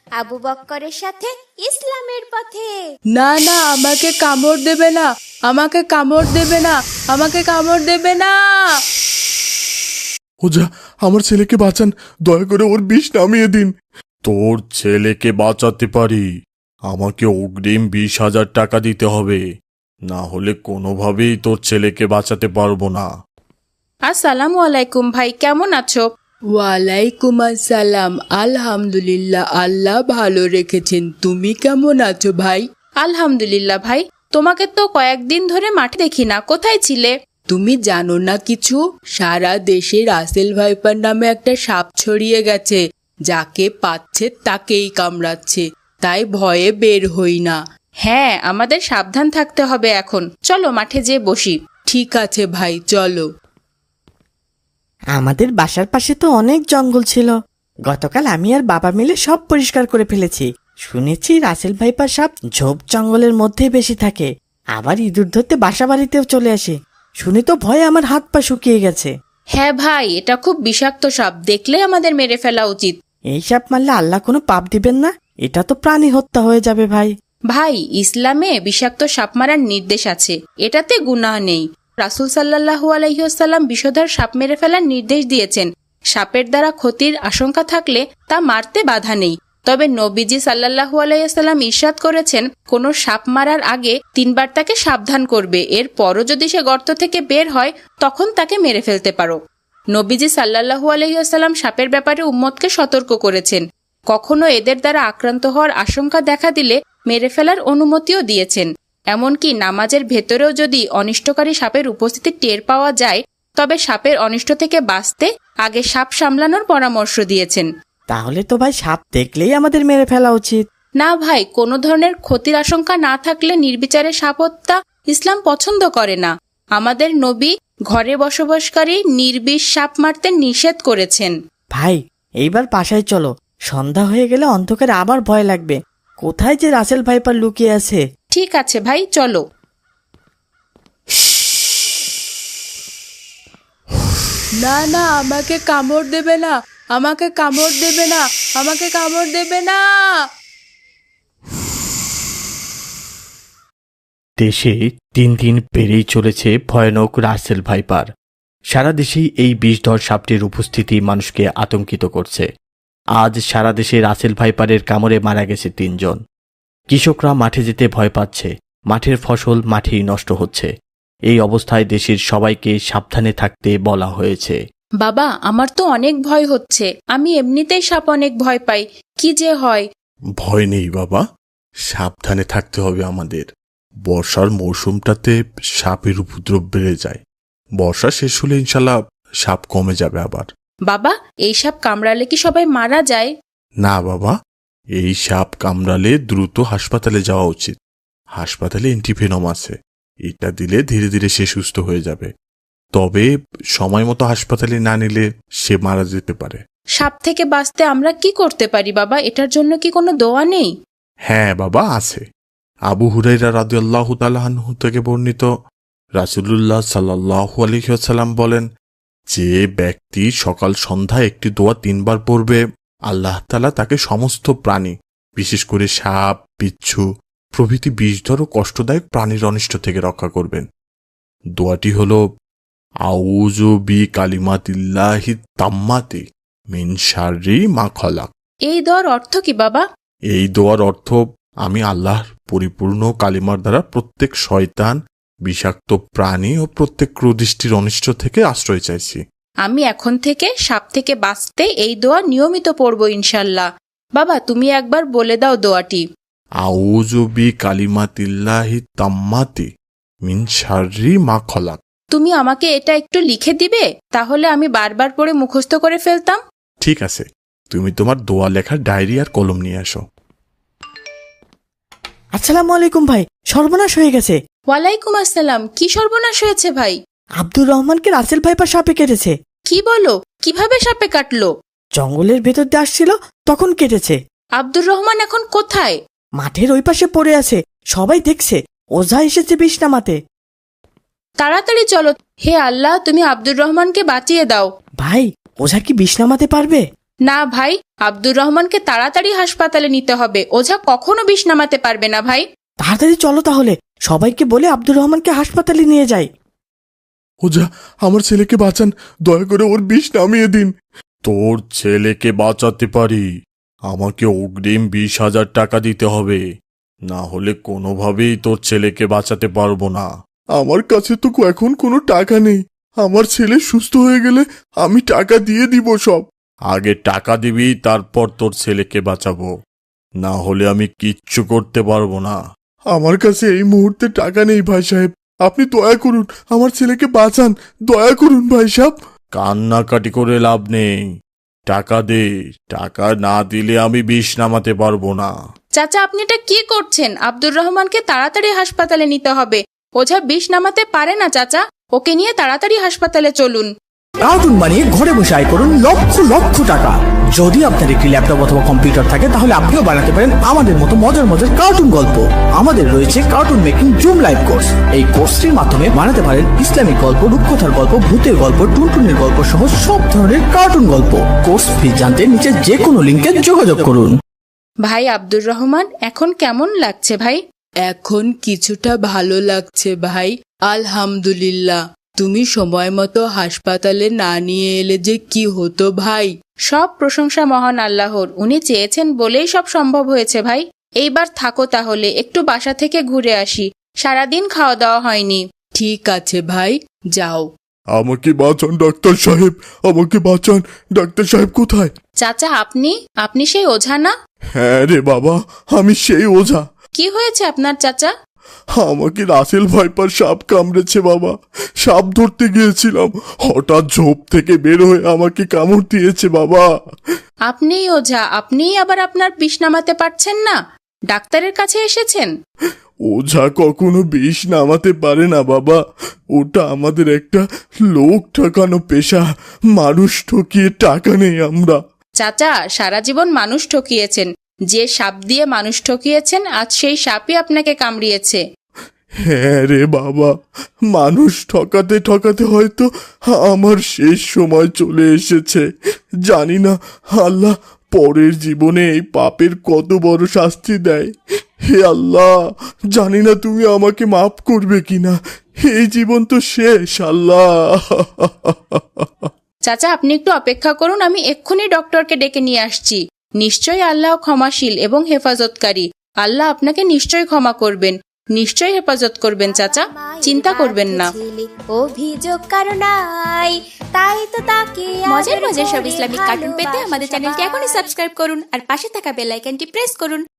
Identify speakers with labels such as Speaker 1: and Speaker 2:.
Speaker 1: আবু বক্করের সাথে ইসলামের পথে।
Speaker 2: না না, আমাকে কামড় দেবে না, আমাকে কামড় দেবে না, আমাকে কামড় দেবে না।
Speaker 3: ওঝা, আমার ছেলেকে বাঁচান, দয়া করে ওর বিষ নামিয়ে দিন। তোর ছেলেকে বাঁচাতে পারি, আমাকে অগ্রিম 20,000 টাকা দিতে হবে, না হলে কোনোভাবেই তোর ছেলেকে বাঁচাতে পারবো না।
Speaker 4: আসসালামু আলাইকুম ভাই, কেমন আছো?
Speaker 2: ওয়ালাইকুম আসসালাম। আলহামদুলিল্লাহ, আল্লাহ ভালো রেখেছেন। তুমি কেমন আছো ভাই?
Speaker 4: আলহামদুলিল্লাহ ভাই, তোমাকে তো কয়েকদিন ধরে মাঠে দেখি না, কোথায় ছিলে?
Speaker 2: তুমি জানো না কিছু? সারা দেশে রাসেল ভাইপার নামে একটা সাপ ছড়িয়ে গেছে, যাকে পাচ্ছে তাকেই কামড়াচ্ছে, তাই ভয়ে বের হই না।
Speaker 4: হ্যাঁ, আমাদের সাবধান থাকতে হবে এখন। চলো মাঠে যেয়ে বসি।
Speaker 2: ঠিক আছে ভাই, চলো।
Speaker 5: আমাদের বাসার পাশে তো অনেক জঙ্গল ছিল, গতকাল আমি আর বাবা মিলে সব পরিষ্কার করে ফেলেছি। শুনেছি রাসেল ভাইপার সাপ ঝোপ জঙ্গলের মধ্যে বেশি থাকে, আবার ইঁদুর ধরতে বাসা বাড়িতেও চলে আসে। শুনে তো ভয়ে আমার হাত পা শুকিয়ে গেছে।
Speaker 4: হ্যাঁ ভাই, এটা খুব বিষাক্ত সাপ, দেখলে আমাদের মেরে ফেলা উচিত।
Speaker 5: এই সাপ মারলে আল্লাহ কোনো পাপ দিবেন না? এটা তো প্রাণী হত্যা হয়ে যাবে ভাই।
Speaker 4: ভাই, ইসলামে বিষাক্ত সাপ মারার নির্দেশ আছে, এটাতে গুনাহ নেই। রাসূল সাল্লাল্লাহু আলাইহি ওয়াসাল্লাম বিষধর সাপ মেরে ফেলার নির্দেশ দিয়েছেন। সাপের দ্বারা ক্ষতির আশঙ্কা থাকলে তা মারতে বাধা নেই। তবে নবীজি সাল্লাল্লাহু আলাইহি ওয়াসাল্লাম ইরশাদ করেছেন, কোনো সাপ মারার আগে 3 বার তাকে সাবধান করবে, এরপরও যদি সে গর্ত থেকে বের হয় তখন তাকে মেরে ফেলতে পারো। নবীজি সাল্লাল্লাহু আলাইহি ওয়াসাল্লাম সাপের ব্যাপারে উম্মতকে সতর্ক করেছেন। কখনো এদের দ্বারা আক্রান্ত হওয়ার আশঙ্কা দেখা দিলে মেরে ফেলার অনুমতিও দিয়েছেন। এমনকি নামাজের ভেতরেও যদি অনিষ্টকারী সাপের উপস্থিতি টের পাওয়া যায়, তবে সাপের অনিষ্ট থেকে বাঁচতে আগে সাপ সামলানোর পরামর্শ দিয়েছেন।
Speaker 5: তাহলে তো ভাই সাপ দেখলেই আমাদের মেরে ফেলা উচিত।
Speaker 4: না ভাই, কোনো ধরনের ক্ষতির আশঙ্কা না থাকলে নির্বিচারে সাপ হত্যা ইসলাম পছন্দ করে না। আমাদের নবী ঘরে বসবাসকারী নির্বিষ সাপ মারতে নিষেধ করেছেন।
Speaker 5: ভাই, এইবার বাসায় চলো, সন্ধ্যা হয়ে গেলে অন্ধকারে আবার ভয় লাগবে। কোথায় যে রাসেল ভাইপার লুকিয়ে আছে।
Speaker 4: ঠিক আছে ভাই, চলো।
Speaker 2: না না, আমাকে কামড় দেবে না, আমাকে কামড় দেবে না, আমাকে কামড় দেবে না।
Speaker 3: দেশে দিন দিন বেড়েই চলেছে ভয়ানক রাসেল ভাইপার। সারা দেশেই এই বিষধর সাপটির উপস্থিতি মানুষকে আতঙ্কিত করছে। আজ সারা দেশে রাসেল ভাইপারের কামড়ে মারা গেছে 3 জন। কৃষকরা মাঠে যেতে ভয় পাচ্ছে, মাঠের ফসল মাঠেই নষ্ট হচ্ছে। এই অবস্থায় দেশের সবাইকে সাবধানে থাকতে বলা হয়েছে।
Speaker 4: বাবা, আমার তো অনেক ভয় হচ্ছে, আমি এমনিতেই সাপ অনেক ভয় পাই, কি যে হয়।
Speaker 3: ভয় নেই বাবা, সাবধানে থাকতে হবে আমাদের। বর্ষার মৌসুমটাতে সাপের উপদ্রব বেড়ে যায়, বর্ষা শেষ হলে ইনশাল্লাহ সাপ কমে যাবে আবার।
Speaker 4: বাবা, এই সাপ কামড়ালে কি সবাই মারা যায়?
Speaker 3: না বাবা, এই সাপ কামড়ালে দ্রুত হাসপাতালে যাওয়া উচিত। হাসপাতালে অ্যান্টিভেনম আছে, এটা দিলে ধীরে ধীরে সে সুস্থ হয়ে যাবে। তবে সময় মতো হাসপাতালে না নিলে সে মারা যেতে পারে।
Speaker 4: সাপ থেকে বাঁচতে আমরা কি করতে পারি বাবা? এটার জন্য কি কোনো দোয়া নেই?
Speaker 3: হ্যাঁ বাবা, আছে। আবু হুরাইরা রাদিয়াল্লাহু তাআলা আনহু থেকে বর্ণিত, রাসূলুল্লাহ সাল্লাল্লাহু আলাইহি ওয়াসাল্লাম বলেন, যে ব্যক্তি সকাল সন্ধ্যা একটি দোয়া 3 বার পড়বে, আল্লাহ তাআলা তাকে সমস্ত প্রাণী, বিশেষ করে সাপ, বিচ্ছু প্রভৃতি বিষধর ও কষ্টদায়ক প্রাণীর অনিষ্ট থেকে রক্ষা করবেন। দোয়াটি হল, আউযু বি কালিমাতিল্লাহি তাম্মাতি মিন শাররি মা খলাক।
Speaker 4: এই দোয়ার অর্থ কি বাবা?
Speaker 3: এই দোয়ার অর্থ, আমি আল্লাহর পরিপূর্ণ কালিমার দ্বারা প্রত্যেক শয়তান, বিষাক্ত প্রাণী ও প্রত্যেক ক্রুদৃষ্টির অনিষ্ট থেকে আশ্রয় চাইছি।
Speaker 4: আমি এখন থেকে সাপ থেকে বাঁচতে এই দোয়া নিয়মিত পড়ব ইনশাল্লাহ। বাবা, তুমি একবার বলে দাও দোয়াটি।
Speaker 3: আউযু বি কালিমাতিল্লাহি তাম্মাতি মিন শাররি মা খলাক।
Speaker 4: তুমি আমাকে এটা একটু লিখে দিবে, তাহলে আমি বারবার পড়ে মুখস্থ করে ফেলতাম।
Speaker 3: ঠিক আছে, তুমি তোমার দোয়া লেখার ডায়েরি আর কলম নিয়ে আসো।
Speaker 5: আসসালামু আলাইকুম ভাই, সর্বনাশ হয়ে গেছে।
Speaker 4: ওয়ালাইকুম আসসালাম। কি সর্বনাশ হয়েছে ভাই?
Speaker 5: আব্দুর রহমানকে রাসেল ভাইপার সাপে কেটেছে।
Speaker 4: কি বলো? কিভাবে সাপে কাটলো?
Speaker 5: জঙ্গলের ভেতর দিয়ে আসছিল, তখন কেটেছে।
Speaker 4: আব্দুর রহমান এখন কোথায়?
Speaker 5: মাঠের ওই পাশে পড়ে আছে, সবাই দেখছে। ওঝা এসেছে বিষ নামাতে।
Speaker 4: তাড়াতাড়ি চলো। হে আল্লাহ, তুমি আব্দুর রহমানকে বাঁচিয়ে দাও।
Speaker 5: ভাই, ওঝা কি বিষ নামাতে পারবে?
Speaker 4: না ভাই, আব্দুর রহমানকে তাড়াতাড়ি হাসপাতালে নিতে হবে। ওঝা কখনো বিষ নামাতে পারবে না ভাই।
Speaker 5: তাড়াতাড়ি চলো তাহলে, সবাইকে বলে আব্দুর রহমানকে হাসপাতালে নিয়ে যাই।
Speaker 3: ওঝা, আমার ছেলেকে বাঁচান, দয়া করে ওর বিষ নামিয়ে দিন। তোর ছেলেকে বাঁচাতে পারি, আমাকে অগ্রিম 20,000 টাকা দিতে হবে, না হলে কোনোভাবেই তোর ছেলেকে বাঁচাতে পারবো না। আমার কাছে তো এখন কোনো টাকা নেই, আমার ছেলে সুস্থ হয়ে গেলে আমি টাকা দিয়ে দিব সব। আগে টাকা দিবি, তারপর তোর ছেলেকে বাঁচাবো, না হলে আমি কিচ্ছু করতে পারবো না। আমার কাছে এই মুহূর্তে টাকা নেই ভাই সাহেব, আপনি দয়া করুন, আমার ছেলেকে বাঁচান, দয়া করুন ভাই সাহেব। কান্নাকাটি করে লাভ নেই, টাকা দে, টাকা না দিলে আমি বিষ নামাতে পারবো না।
Speaker 4: চাচা, আপনি এটা কি করছেন? আব্দুর রহমানকে তাড়াতাড়ি হাসপাতালে নিতে হবে। ওঝা বিষ নামাতে পারে না চাচা, ওকে নিয়ে তাড়াতাড়ি হাসপাতালে চলুন।
Speaker 6: কার্টুন বানিয়ে ঘরে বসে আয় করুন লক্ষ লক্ষ টাকা। যদি আপনার একটি ল্যাপটপ অথবা কম্পিউটার থাকে তাহলে আপনিও বানাতে পারেন আমাদের মতো মজার মজার কার্টুন গল্প। আমাদের রয়েছে cartoon making zoom live course. এই কোর্সটির মাধ্যমে বানাতে পারেন ইসলামিক গল্প, রূপকথার গল্প, ভূতের গল্প, টুনটুনের গল্প সহ সব ধরনের কার্টুন গল্প। কোর্স ফি জানতে নিচে যে কোনো লিঙ্কে যোগাযোগ করুন।
Speaker 4: ভাই আব্দুর রহমান, এখন কেমন লাগছে ভাই?
Speaker 2: এখন কিছুটা ভালো লাগছে ভাই, আলহামদুলিল্লাহ। তুমি সময় মতো হাসপাতালে না নিয়ে এলে যে কি হতো ভাই।
Speaker 4: সব প্রশংসা মহান আল্লাহর, উনি চেয়েছেন বলেই সব সম্ভব হয়েছে ভাই। এইবার থাকো তাহলে, একটু বাসা থেকে ঘুরে আসি, সারাদিন খাওয়া দাওয়া হয়নি।
Speaker 2: ঠিক আছে ভাই, যাও।
Speaker 3: আমাকে বাঁচান ডাক্তার সাহেব, আমাকে বাঁচান। ডাক্তার সাহেব কোথায়?
Speaker 4: চাচা, আপনি সেই ওঝা না?
Speaker 3: হ্যাঁ রে বাবা, আমি সেই ওঝা।
Speaker 4: কি হয়েছে আপনার চাচা?
Speaker 3: আমাকে রাসেল ভাইপার সাপ কামড়েছে বাবা। সাপ ধরতে গিয়েছিলাম, হঠাৎ ঝোপ থেকে বের হয়ে আমাকে কামড় দিয়েছে বাবা।
Speaker 4: আপনিই ওঝা, আপনিই আবার আপনার বিষ নামাতে পারছেন না? ডাক্তারের কাছে এসেছেন?
Speaker 3: ওঝা কখনো বিষ নামাতে পারে না বাবা, ওটা আমাদের একটা লোক ঠকানো পেশা। মানুষ ঠকিয়ে টাকা নেই আমরা।
Speaker 4: চাচা, সারা জীবন মানুষ ঠকিয়েছেন, যে সাপ দিয়ে মানুষ ঠকিয়েছেন আজ সেই সাপই আপনাকে কামড়িয়েছে।
Speaker 3: হ্যাঁ রে বাবা, মানুষ ঠকাতে ঠকাতে হয়তো আমার শেষ সময় চলে এসেছে। জানি না আল্লাহ পরের জীবনে এই পাপের কত বড় শাস্তি দেয়। হে আল্লাহ, জানি না তুমি আমাকে মাফ করবে কিনা, এই জীবন তো শেষ আল্লাহ।
Speaker 4: চাচা, আপনি একটু অপেক্ষা করুন, আমি এক্ষুনি ডক্টরকে ডেকে নিয়ে আসছি। নিশ্চয়ই আল্লাহ ক্ষমাশীল এবং হেফাজতকারী। আল্লাহ আপনাকে নিশ্চয়ই ক্ষমা করবেন, নিশ্চয়ই হেফাজত করবেন চাচা, চিন্তা করবেন না।
Speaker 1: অভিযোগ কারো নাই, তাই তো তাকে
Speaker 7: মজার মজার সব ইসলামিক কার্টুন পেতে আমাদের চ্যানেলটি এখনই সাবস্ক্রাইব করুন আর পাশে থাকা বেল আইকনটি প্রেস করুন।